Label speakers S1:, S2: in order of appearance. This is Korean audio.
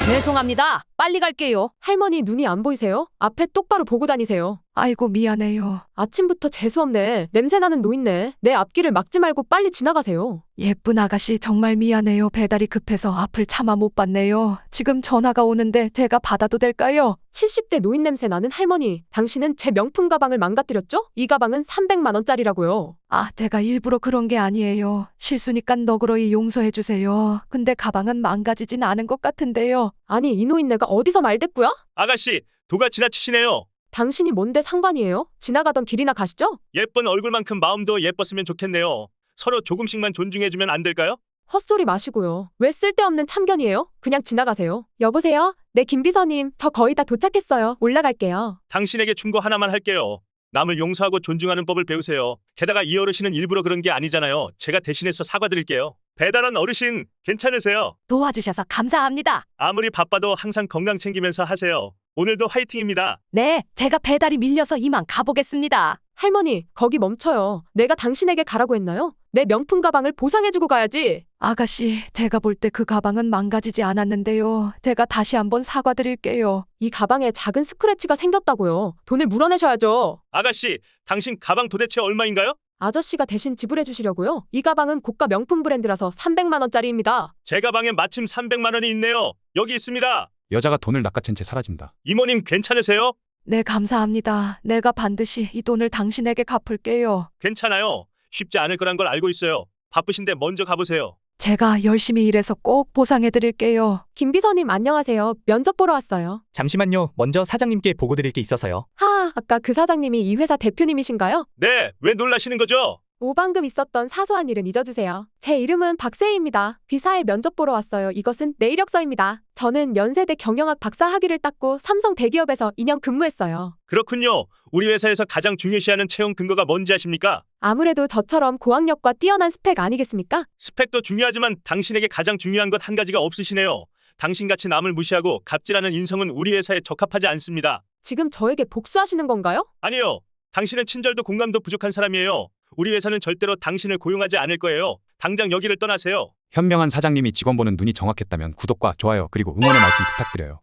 S1: 죄송합니다. 빨리 갈게요.
S2: 할머니 눈이 안 보이세요? 앞에 똑바로 보고 다니세요.
S3: 아이고 미안해요.
S2: 아침부터 재수없네. 냄새나는 노인네. 내 앞길을 막지 말고 빨리 지나가세요.
S3: 예쁜 아가씨 정말 미안해요. 배달이 급해서 앞을 참아 못 봤네요. 지금 전화가 오는데 제가 받아도 될까요?
S2: 70대 노인 냄새 나는 할머니. 당신은 제 명품 가방을 망가뜨렸죠? 이 가방은 300만 원짜리라고요.
S3: 아, 제가 일부러 그런 게 아니에요. 실수니까 너그러이 용서해 주세요. 근데 가방은 망가지진 않은 것 같은데요.
S2: 아니 이 노인네가 어디서 말대꾸야?
S4: 아가씨, 도가 지나치시네요.
S2: 당신이 뭔데 상관이에요? 지나가던 길이나 가시죠?
S4: 예쁜 얼굴만큼 마음도 예뻤으면 좋겠네요. 서로 조금씩만 존중해주면 안 될까요?
S2: 헛소리 마시고요. 왜 쓸데없는 참견이에요? 그냥 지나가세요. 여보세요? 네 김비서님, 저 거의 다 도착했어요. 올라갈게요.
S4: 당신에게 충고 하나만 할게요. 남을 용서하고 존중하는 법을 배우세요. 게다가 이 어르신은 일부러 그런 게 아니잖아요. 제가 대신해서 사과드릴게요. 배달원 어르신, 괜찮으세요?
S3: 도와주셔서 감사합니다.
S4: 아무리 바빠도 항상 건강 챙기면서 하세요. 오늘도 화이팅입니다.
S3: 네, 제가 배달이 밀려서 이만 가보겠습니다.
S2: 할머니, 거기 멈춰요. 내가 당신에게 가라고 했나요? 내 명품 가방을 보상해주고 가야지.
S3: 아가씨, 제가 볼 때 그 가방은 망가지지 않았는데요. 제가 다시 한번 사과드릴게요.
S2: 이 가방에 작은 스크래치가 생겼다고요. 돈을 물어내셔야죠.
S4: 아가씨, 당신 가방 도대체 얼마인가요?
S2: 아저씨가 대신 지불해 주시려고요. 이 가방은 고가 명품 브랜드라서 300만 원짜리입니다.
S4: 제 가방에 마침 300만 원이 있네요. 여기 있습니다.
S5: 여자가 돈을 낚아챈 채 사라진다.
S4: 이모님 괜찮으세요?
S3: 네, 감사합니다. 내가 반드시 이 돈을 당신에게 갚을게요.
S4: 괜찮아요. 쉽지 않을 거란 걸 알고 있어요. 바쁘신데 먼저 가보세요.
S3: 제가 열심히 일해서 꼭 보상해드릴게요.
S2: 김비서님 안녕하세요. 면접 보러 왔어요.
S6: 잠시만요. 먼저 사장님께 보고 드릴 게 있어서요.
S2: 아까 그 사장님이 이 회사 대표님이신가요?
S4: 네, 왜 놀라시는 거죠?
S2: 오방금 있었던 사소한 일은 잊어주세요. 제 이름은 박세희입니다. 비사에 면접 보러 왔어요. 이것은 내 이력서입니다. 저는 연세대 경영학 박사 학위를 땄고 삼성 대기업에서 2년 근무했어요.
S4: 그렇군요. 우리 회사에서 가장 중요시하는 채용 근거가 뭔지 아십니까?
S2: 아무래도 저처럼 고학력과 뛰어난 스펙 아니겠습니까?
S4: 스펙도 중요하지만 당신에게 가장 중요한 것 한 가지가 없으시네요. 당신같이 남을 무시하고 갑질하는 인성은 우리 회사에 적합하지 않습니다.
S2: 지금 저에게 복수하시는 건가요?
S4: 아니요. 당신은 친절도 공감도 부족한 사람이에요. 우리 회사는 절대로 당신을 고용하지 않을 거예요. 당장 여기를 떠나세요.
S5: 현명한 사장님이 직원 보는 눈이 정확했다면 구독과 좋아요 그리고 응원의 말씀 부탁드려요.